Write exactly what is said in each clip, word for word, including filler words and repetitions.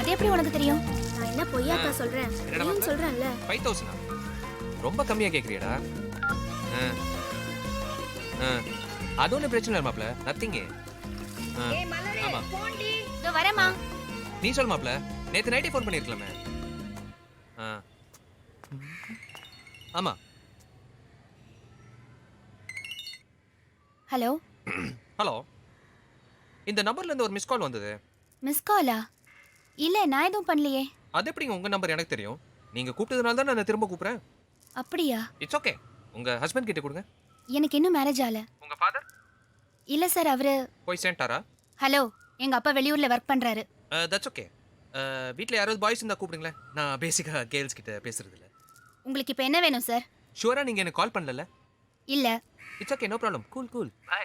அது எப்படி உனக்கு தெரியும்? நான் என்ன பொய்யாக்கா சொல்றேன்? என்னடா நீயும் மாப்ள? சொல்றேன்ல. ஃபைவ் தௌசண்டா ரொம்ப கம்மியா கேட்குறியடா. ஆ ஆ அது ஒன்றும் பிரச்சனை இல்லை மாப்ள, நத்திங்கு. ஆ ஆமா இதோ வரேம்மா. நீ சொல் மாப்ள, நேற்று நைட்டே ஃபோன் பண்ணியிருக்கலாமே. ஆ ஆமா. ஹலோ, ஹலோ, இந்த நம்பர்லேருந்து ஒரு மிஸ் கால் வந்தது. மிஸ் காலா? இல்ல, நான் எதுவும் பண்ணலையே. அது எப்படிங்க உங்கள் நம்பர் எனக்கு தெரியும்? நீங்கள் கூப்பிட்டதுனால தான் நான் திரும்ப கூப்பிட்றேன். அப்படியா? It's okay. உங்கள் ஹஸ்பண்ட் கிட்ட கொடுங்க. எனக்கு இன்னும் மேரேஜ் ஆகல. உங்கள் ஃபாதர் இல்ல சார், அவரு. போய் சேர்ந்துட்டாரா? ஹலோ, எங்க அப்பா வெளியூர்ல ஒர்க் பண்றாரு. That's okay. வீட்டில் யாராவது பாய்ஸ் இருந்தால் கூப்பிடுங்களேன். நான் பேசிக்காக கேர்ள்ஸ் கிட்ட பேசுறது இல்லை. உங்களுக்கு இப்ப என்ன வேணும் சார்? ஷுவராக நீங்கள் எனக்கு கால் பண்ணல? இல்ல. It's okay, no problem. Cool cool bye.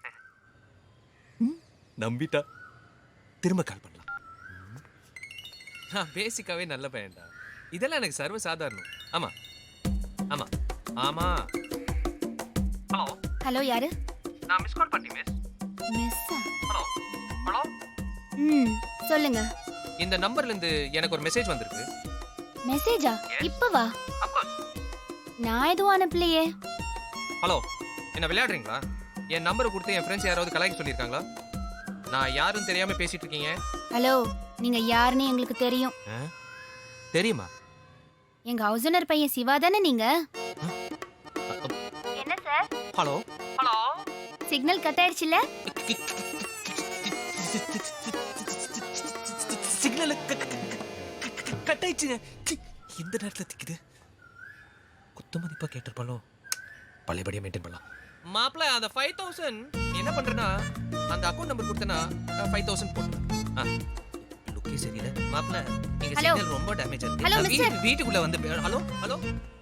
நம்பிட்டா. திரும்ப கால் பண்ணலாம். நான் பேசிக்காவே நல்ல பையன்டா. இதெல்லாம் எனக்கு சர்வ சாதாரணம். ஆமா ஆமா ஆமா. ஹலோ ஹலோ, யாரு? நான் மிஸ் கால் பண்ணி மிஸ். மிஸ்ஸா? Hello hello. ம், சொல்லுங்க. இந்த நம்பர்ல இருந்து எனக்கு ஒரு மெசேஜ் வந்திருக்கு. மெசேஜா? இப்பவா? Of course. நான் எதுவும் அனுப்பலையே. ஹலோ, என்ன விளையாடுறீங்களா? என் நம்பரை கொடுத்து என் ஃப்ரெண்ட்ஸ் யாராவது கலாய்க்க சொல்லியிருக்காங்களா? நான் யாரும் தெரியாம பேசிட்டு இருக்கீங்க. ஹலோ, நீங்க யாருன்னு எங்களுக்கு தெரியும். ஆ? தெரியுமா? எங்க ஹவுஸ் ஓனர் பையன் சிவா தானே நீங்க? என்ன sir? Hello hello. Signal cut ஆயிடுச்சுல? சிக்னல் கட் ஆயிடுச்சுங்க. இந்த நேரத்துல திக்குது. குத்துமதிப்பா கேட்டிருப்பாலோ. பழையபடியா மெயின்டைன் பண்ணலாம். மாப்பிள்ள, அந்த ஃபைவ் தௌசண்ட் என்ன பண்றேன்னா, அந்த அக்கௌண்ட் நம்பர் கொடுத்தனா ஃபைவ் தௌசண்ட் போட்டுருவேன். லுக்கே சரியில்லை மாப்பிள்ள. எங்க Hello. சிக்னல் ரொம்ப டேமேஜ் Hello, ஆயிருக்கு. mister. வீட்டுக்குள்ள வந்து ஹலோ ஹலோ